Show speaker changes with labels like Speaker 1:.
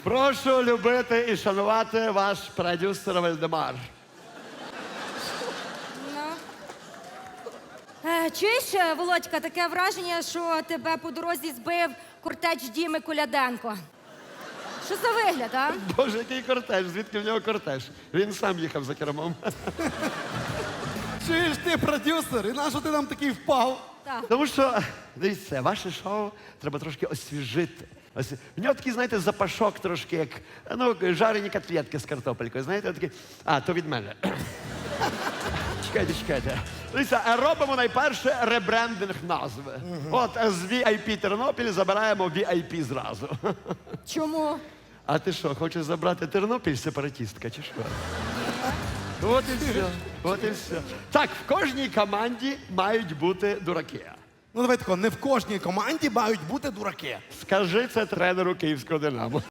Speaker 1: Прошу любити і шанувати ваш продюсер Вальдемар.
Speaker 2: Чуєш, Володька, таке враження, що тебе по дорозі збив кортеч Діми Коляденко. Що за вигляд, а?
Speaker 1: Боже, який кортеж, звідки в нього кортеж? Він сам їхав за кермом.
Speaker 3: Чуєш ти продюсер, і на що ти нам такий впав?
Speaker 2: Так.
Speaker 1: Тому що, дивіться, ваше шоу треба трошки освіжити. Ось, в нього такий, знаєте, запашок трошки, як жарені котлетки з картопелькою. Знаєте, такі. А, то від мене. Чекайте. Дивіться, робимо найперше ребрендинг назви. От з VIP Тернопіль забираємо VIP зразу.
Speaker 2: Чому?
Speaker 1: А ти що, хочеш забрати Тернопіль сепаратістка, чи що? От і все. От і все. Так, в кожній команді мають бути дураки.
Speaker 3: Ну давай тако, не в кожній команді мають бути дураки.
Speaker 1: Скажи це тренеру київського «Динамо».